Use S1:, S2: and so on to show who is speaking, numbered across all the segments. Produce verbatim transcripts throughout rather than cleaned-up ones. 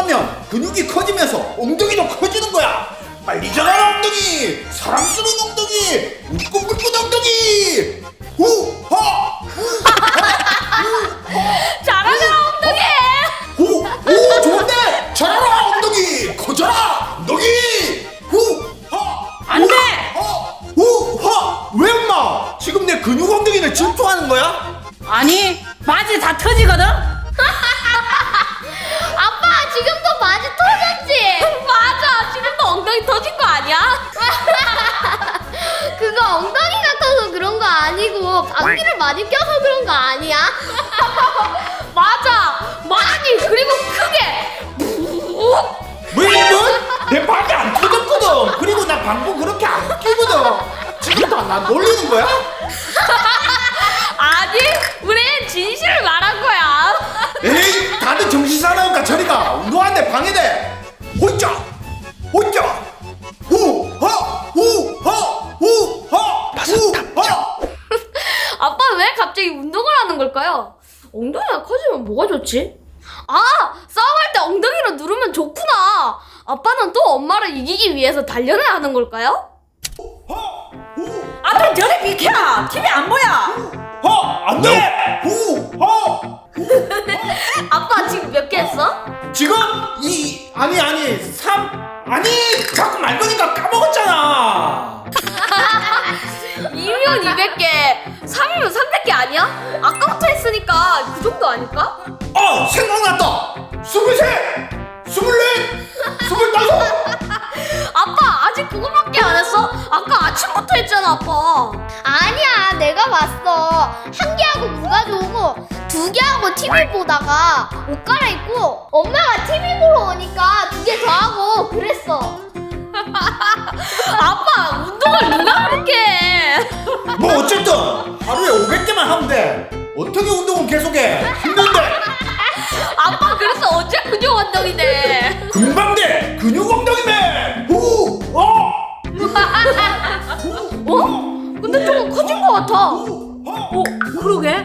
S1: 운동하면 근육이 커지면서 엉덩이도 커지는 거야. 빨리 자라라 엉덩이, 사랑스러운 엉덩이, 울긋불긋 엉덩이. 후하
S2: 잘하잖아 엉덩이.
S1: 오, 오 좋은데. 자라라 엉덩이, 커져라 엉덩이. 후하
S2: 안돼.
S1: 후하. 왜 엄마? 지금 내 근육 엉덩이를 질투하는 거야?
S2: 아니 바지 다 터지거든.
S3: 아빠 지금도 많이 터졌지?
S2: 맞아, 지금도 엉덩이 터진 거 아니야?
S3: 그거 엉덩이가 커서 그런 거 아니고 방귀를 많이 껴서 그런 거 아니야?
S2: 맞아, 많이 그리고 크게.
S1: 왜 뭐? 내 발이 안 터졌거든. 그리고 나 방구 그렇게 안 끼거든. 지금도 나 놀리는 거야?
S2: 아니, 우린 진실을 말한 거야.
S1: 에이, 다들 정신 사나우니까 저리가. 운동하는데 방해돼. 호이자 호이자 후하 후하 후하 후하.
S2: 아빠 왜 갑자기 운동을 하는 걸까요? 엉덩이가 커지면 뭐가 좋지? 아, 싸움할 때 엉덩이로 누르면 좋구나. 아빠는 또 엄마를 이기기 위해서 단련을 하는 걸까요?
S4: 아들 저리 비켜! 티비 안 보여!
S1: 하 안돼. 후하.
S2: 아빠 지금 몇 개 했어?
S1: 지금 이 아니 아니 삼 아니 자꾸 말 거니까 까먹었잖아.
S2: 이면 이백 개, 삼이면 삼백 개 아니야? 아까부터 했으니까 그 정도 아닐까?
S1: 어 생각났다. 스물셋 스물넷 스물다섯.
S2: 아빠 아직 그거밖에 안 했어? 아까 아침부터 했잖아 아빠.
S3: 아니야 내가 봤어. 한 개하고 물 가져오고 두 개하고 티비 보다가 옷 갈아입고 엄마가 티비 보러 오니까 두 개 더 하고 그랬어.
S2: 아빠 운동을 누가 그렇게 해?
S1: 뭐 어쨌든 하루에 오백 개만 하면 돼. 어떻게 운동은 계속해? 힘든데.
S2: 아빠 그래서 어째 근육 운동이네.
S1: 금방 돼. 근육 엉덩이맨. 후. 어.
S2: 어? 근데 조금 커진 것 같아.
S4: 어? 그러게?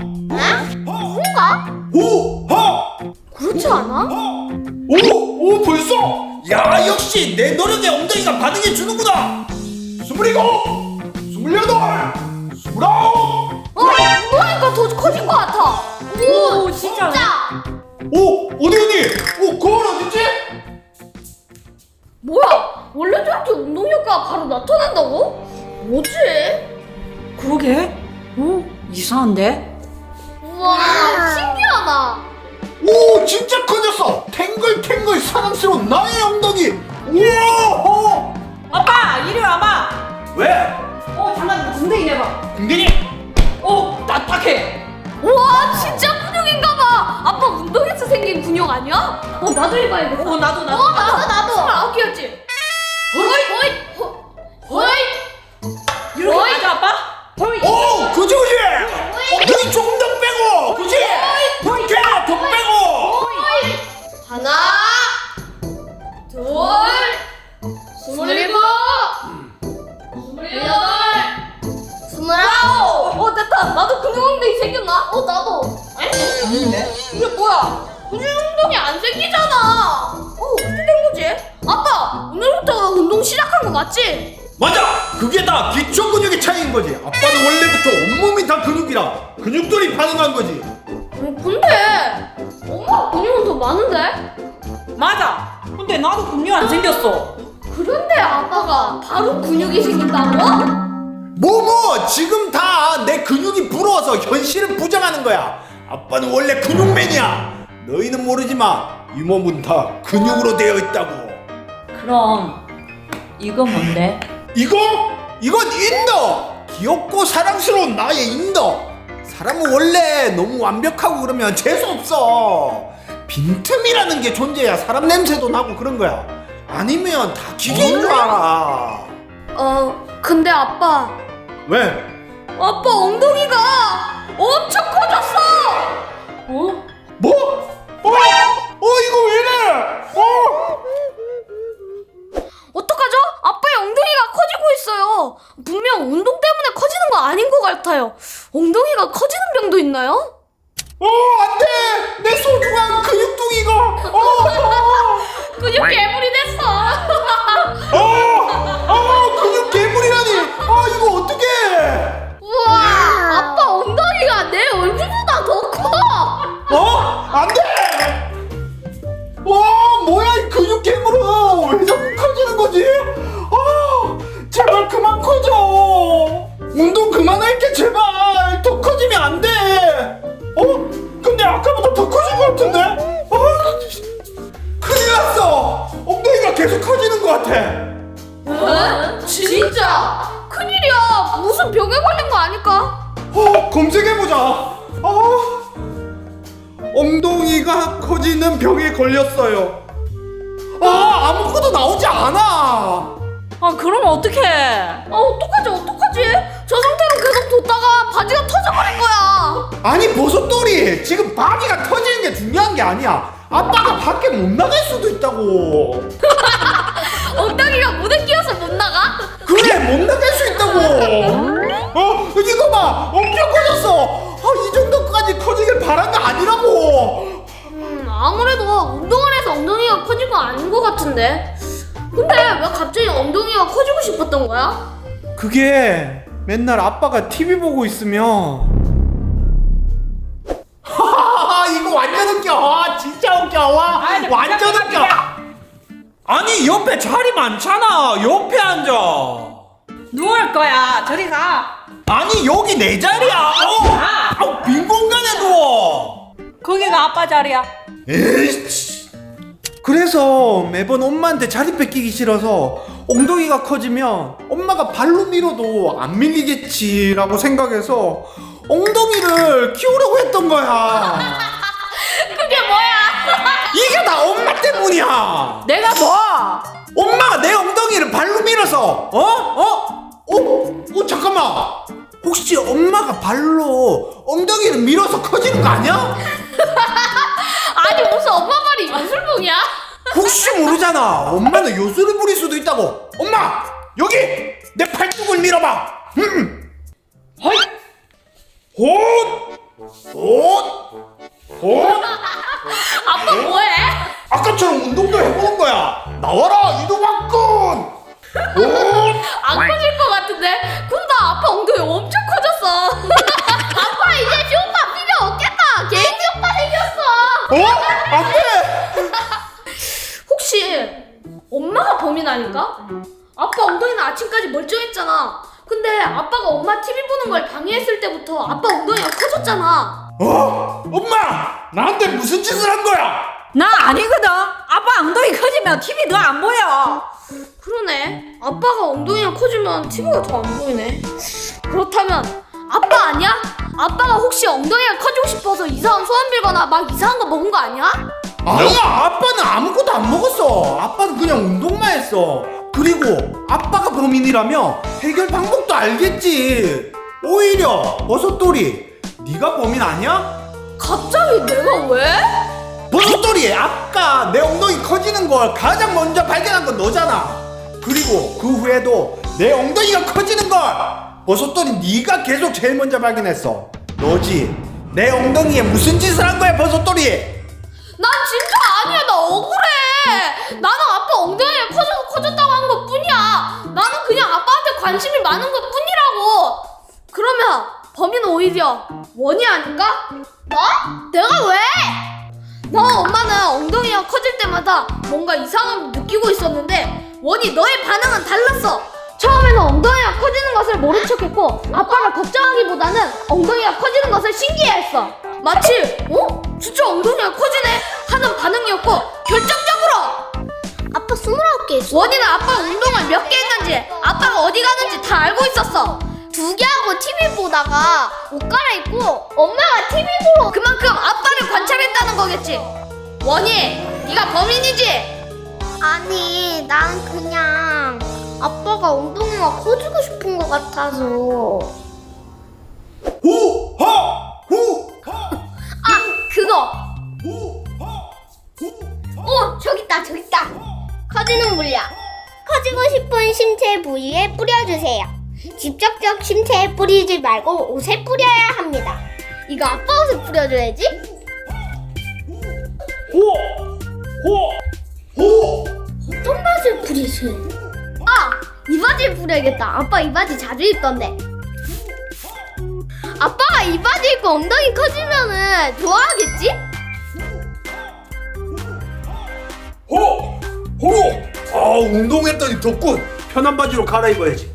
S3: 뭔가?
S1: 후. 하.
S2: 그렇지 않아?
S1: 오. 오 벌써. 야 역시 내 노력에 엉덩이가 반응해 주는구나. 스물일곱. 스물여덟. 스물아홉.
S2: 어? 운동하니까 더 커진 것 같아.
S4: 오 진짜?
S3: 자
S1: 오 어디 어디? 오 거울 어딨지?
S2: 뭐야? 원래 저렇게 운동 효과가 바로 나타난다고? 뭐지?
S4: 그러게? 오 이상한데?
S3: 우와 신기하다.
S1: 오 진짜 커졌어. 탱글탱글 사랑스러운 나의 엉덩이. 우와.
S4: 아빠 이리 와봐!
S1: 왜?
S4: 어 잠깐 궁뎅이 내봐.
S1: 궁뎅이?
S4: 오 딱딱해!
S2: 우와 진짜 근육인가봐. 아빠 운동해서 생긴 근육 아니야? 어 나도 해봐야겠다.
S4: 어 나도 나도
S3: 어 나도 나도.
S2: 스물아홉 개였지?
S3: 호잇 호잇 호잇.
S4: 이렇게
S2: 어이.
S4: 맞아 아빠?
S1: 오 그지 그지. 엉덩이 조금 더 빼고. 그지? 이렇게 더 빼고.
S3: 하나 둘 스물일곱 스물여덟 스물아홉.
S2: 어 됐다. 나도 근육 엉덩이 생겼나?
S3: 어 나도.
S4: 아닌데?
S2: 이게 뭐야? 근육 운동이 안 생기잖아. 어 어떻게 된 거지? 아빠 오늘부터 운동 시작한 거 맞지?
S1: 맞아. 그게 다 기초 근육의 차이인 거지. 아빠는 원래부터 온몸이 다 근육이라 근육들이 반응한 거지.
S2: 어, 근데 엄마 근육은 더 많은데?
S4: 맞아! 근데 나도 근육 안 생겼어.
S2: 그런데 아빠가 바로 근육이 생긴다고?
S1: 뭐뭐 지금 다 내 근육이 부러워서 현실을 부정하는 거야. 아빠는 원래 근육맨이야. 너희는 모르지만 이 몸은 다 근육으로 되어 있다고.
S4: 그럼 이거 뭔데?
S1: 이거? 이건 인더. 귀엽고 사랑스러운 나의 인더. 사람은 원래 너무 완벽하고 그러면 재수없어. 빈틈이라는 게 존재해야 사람 냄새도 나고 그런 거야. 아니면 다 기계인 줄 알아.
S2: 어 근데 아빠
S1: 왜?
S2: 아빠 엉덩이가 엄청 커졌어.
S4: 어?
S1: 뭐? 어? 어 이거 왜 이래? 어?
S2: 어떡하죠? 아빠의 엉덩이가 커지고 있어요. 분명 운동 때문에 커지는 거 아닌 것 같아요. 엉덩이가 커지는 병도 있나요?
S1: 어, 안 돼! 내 소중한 근육둥이가! 어,
S2: 근육 괴물이 됐어.
S1: 어, 어, 근육 괴물이라니! 아, 이거 어떡해!
S3: 우와, 아빠 엉덩이가 내 얼굴보다 더 커.
S1: 어? 안 돼! 와, 뭐야, 이 근육 괴물은! 왜 자꾸 커지는 거지? 아, 제발 그만 커져! 운동 그만할게, 제발! 더 커지면 안 돼! 어? 근데 아까보다 더 커진 것 같은데? 아, 큰일 났어! 엉덩이가 계속 커지는 것 같아!
S2: 에? 진짜? 큰일이야. 무슨 병에 걸린 거 아닐까?
S1: 어, 검색해보자! 아, 엉덩이가 커지는 병에 걸렸어요. 아, 아무것도 나오지 않아!
S4: 아 그러면 어떡해?
S2: 아 어떡하지 어떡하지? 저 상태로 계속 뒀다가 바지가 터져버릴 거야.
S1: 아니, 버섯돌이! 지금 바지가 터지는 게 중요한 게 아니야. 아빠가 밖에 못 나갈 수도 있다고.
S2: 엉덩이가 무대 끼어서 못 나가?
S1: 그래, 못 나갈 수 있다고. 어, 이거 봐, 엄청 커졌어. 아, 이 정도까지 커지길 바란 게 아니라고.
S2: 음 아무래도 운동을 해서 엉덩이가 커진 건 아닌 것 같은데. 근데 왜 갑자기 엉덩이가 커지고 싶었던 거야?
S1: 그게 맨날 아빠가 티비 보고 있으면 하하하, 이거 완전 웃겨. 아, 진짜 웃겨. 와,
S4: 아이,
S1: 완전
S4: 진짜
S1: 웃겨. 아니, 옆에 자리 많잖아. 옆에 앉아.
S4: 누울 거야. 저리 가.
S1: 아니, 여기 내 자리야. 어,
S4: 아.
S1: 아, 빈 공간에 누워.
S4: 거기가 아빠 자리야.
S1: 에이씨. 그래서 매번 엄마한테 자리 뺏기기 싫어서 엉덩이가 커지면 엄마가 발로 밀어도 안 밀리겠지라고 생각해서 엉덩이를 키우려고 했던 거야.
S2: 그게 뭐야?
S1: 이게 다 엄마 때문이야.
S4: 내가 뭐?
S1: 엄마가 내 엉덩이를 발로 밀어서 어? 어? 어? 어, 잠깐만. 혹시 엄마가 발로 엉덩이를 밀어서 커지는 거 아니야?
S2: 아니 무슨 엄마 말이 요술봉이야?
S1: 혹시 모르잖아. 엄마는 요술을 부릴 수도 있다고. 엄마, 여기 내 팔뚝을 밀어봐. 음.
S4: 허이.
S1: 헛, 헛, 헛.
S2: 아빠 뭐해?
S1: 아까처럼 운동도 해보는 거야. 나와라 이동학군. 헛.
S2: 안 커질 것 같은데? 근데 아빠 엉덩이 엄청 커졌어.
S3: 아빠 이제 쇼파 필요 없겠다. 개인 쇼파 생겼어.
S1: 어? 안 돼.
S2: 혹시 엄마가 범인 아닐까? 아빠 엉덩이는 아침까지 멀쩡했잖아. 근데 아빠가 엄마 티비 보는 걸 방해했을 때부터 아빠 엉덩이가 커졌잖아.
S1: 어? 엄마, 나한테 무슨 짓을 한 거야?
S4: 나 아니거든. 아빠 엉덩이 커지면 티비도 안 보여.
S2: 그러네. 아빠가 엉덩이가 커지면 티비가 더 안 보이네. 그렇다면 아빠 아니야? 아빠가 혹시 엉덩이가 커지고 싶어서 이상한 소원 빌거나 막 이상한 거 먹은 거 아니야?
S1: 아니야, 아빠는 아무것도 안 먹었어. 아빠는 그냥 운동만 했어. 그리고 아빠가 범인이라며 해결 방법도 알겠지. 오히려 버섯돌이, 네가 범인 아니야?
S2: 갑자기 내가 왜?
S1: 버섯돌이, 아까 내 엉덩이 커지는 걸 가장 먼저 발견한 건 너잖아. 그리고 그 후에도 내 엉덩이가 커지는 걸 버섯돌이 네가 계속 제일 먼저 발견했어. 너지. 내 엉덩이에 무슨 짓을 한 거야, 버섯돌이?
S2: 난 진짜 아니야. 나 억울해. 나는 아빠 엉덩이가 커져서 커졌다고 한 것 뿐이야. 나는 그냥 아빠한테 관심이 많은 것 뿐이라고. 그러면 범인은 오히려 원이 아닌가?
S3: 뭐? 내가 왜?
S2: 너 엄마는 엉덩이가 커질 때마다 뭔가 이상함을 느끼고 있었는데 원이 너의 반응은 달랐어. 처음에는 엉덩이가 커지는 것을 모른 척했고 아빠가 걱정하기보다는 엉덩이가 커지는 것을 신기해했어. 마치 어? 진짜 엉덩이가 커지네 하는 반응이었고 결정적으로
S3: 아빠 스물아홉 개 있어.
S2: 원이는 아빠가 운동을 몇 개 했는지 아빠가 어디 가는지 다 알고 있었어.
S3: 두 개 하고 티비 보다가 옷 갈아입고 엄마가 티비 보러.
S2: 그만큼 아빠를 관찰했다는 거겠지. 원이 네가 범인이지?
S3: 아니, 난 그냥 아빠가 엉덩이가 커지고 싶은 것 같아서.
S1: 후하! 후하!
S2: 아 그거
S1: 후하! 후하!
S3: 어, 저기 있다, 저기 있다. 커지는 물약. 커지고 싶은 신체 부위에 뿌려주세요. 직접적 신체에 뿌리지 말고 옷에 뿌려야 합니다. 이거 아빠 옷에 뿌려줘야지.
S1: 호! 호! 호!
S3: 어떤 바지를 뿌리지? 아! 이 바지를 뿌려야겠다. 아빠 이 바지 자주 입던데. 아빠가 이 바지 입고 엉덩이 커지면은 좋아하겠지?
S1: 호! 호! 아, 운동했더니 덥군. 편한 바지로 갈아입어야지.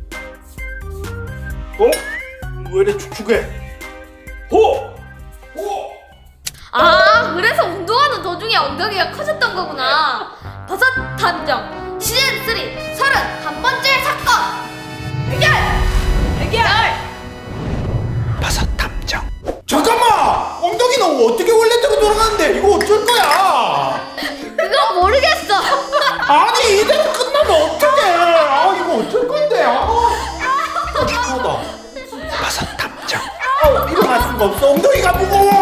S1: 어? 왜 이래 축축해? 호! 호!
S2: 아, 그래서 운동하는 도중에 엉덩이가 커졌던 거구나. 버섯 탐정 시즌 삼 서른한 번째 사건 해결!
S4: 해결!
S1: 버섯 탐정. 잠깐만! 엉덩이 너 어떻게 원래대로 돌아가는데 이거 어쩔 거야?
S3: 그건 모르겠어.
S1: 아니 이대로 끝나면 어떡해? 아 이거 어쩔 건데? 아, 아 피곤하다. 버섯 탐정. 아 일어날 수가 없어. 엉덩이가 무거워.